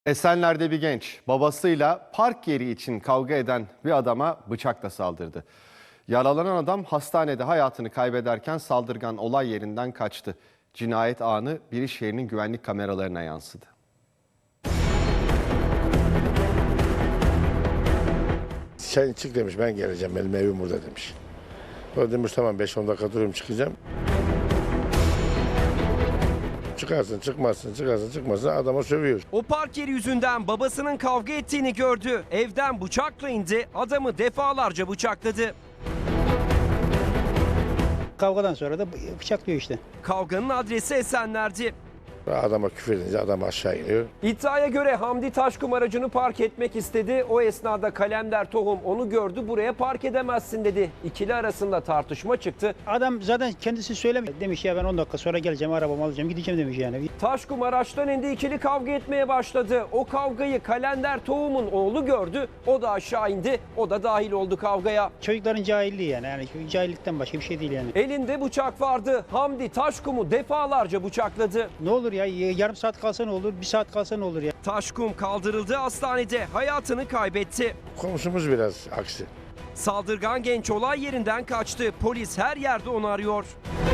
Esenler'de bir genç babasıyla park yeri için kavga eden bir adama bıçakla saldırdı. Yaralanan adam hastanede hayatını kaybederken saldırgan olay yerinden kaçtı. Cinayet anı bir iş yerinin güvenlik kameralarına yansıdı. Sen çık demiş, ben geleceğim, benim evim burada demiş. O demiş tamam 5-10 dakika durayım, çıkacağım. Çıkarsın çıkmazsın, çıkarsın çıkmazsın, adama sövüyor. O park yeri yüzünden babasının kavga ettiğini gördü. Evden bıçakla indi, adamı defalarca bıçakladı. Kavgadan sonra da bıçaklıyor işte. Kavganın adresi Esenler'di. Adama küfür edince adam aşağı iniyor. İddiaya göre Hamdi Taşkum aracını park etmek istedi. O esnada Kalender Tohum onu gördü, buraya park edemezsin dedi. İkili arasında tartışma çıktı. Adam zaten kendisi söylemiyor. Demiş ya ben 10 dakika sonra geleceğim, arabamı alacağım, gideceğim demiş yani. Taşkum araçtan indi, ikili kavga etmeye başladı. O kavgayı Kalender Tohum'un oğlu gördü. O da aşağı indi, o da dahil oldu kavgaya. Çocukların cahilliği yani cahillikten başka bir şey değil yani. Elinde bıçak vardı. Hamdi Taşkum'u defalarca bıçakladı. Ne olur ya, yarım saat kalsa ne olur, bir saat kalsa ne olur ya. Taşkum kaldırıldı, hastanede hayatını kaybetti. Komşumuz biraz aksi. Saldırgan genç olay yerinden kaçtı. Polis her yerde onu arıyor.